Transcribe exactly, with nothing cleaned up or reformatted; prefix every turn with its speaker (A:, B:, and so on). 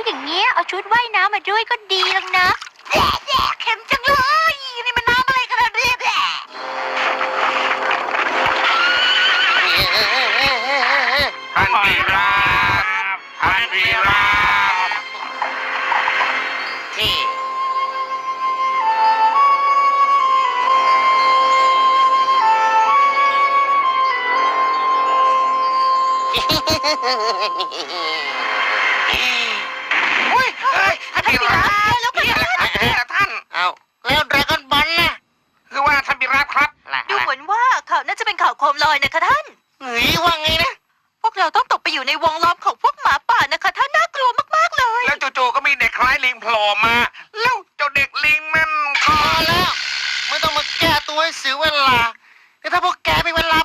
A: อย่างเงี้ยเอาชุดว่ายน้ำมาด้วยก็ดีแล้วนะแย่แย่เข็มจังเลยนี่มันน้ำอะไรกันเนี่ยแย่
B: ท่านพีราบท่านพีราบที่ อุ้ยเฮ้ยท่านพีราบแล้วกันท่านเอาแล้วดราก้อนบอลนะคือว่าท่านพีราบครับ
A: ดูเหมือนว่าข่าวน่าจะเป็นข่าวโคมลอยนะคะท่าน
B: เฮ้ยว่าไงนะ
A: พวกเราต้องตกไปอยู่ในวงล้อมของพวกหมาป่านะคะท่านน่ากลัวมากๆเลย
B: แล้วจู่ๆก็มีเด็กคล้ายลิงโผล่มา แล้วเจ้าเด็กลิงนั่นก็แล้วไม่ต้องมาแก้ตัวให้เสียเวลาถ้าพวกแกมีเวลา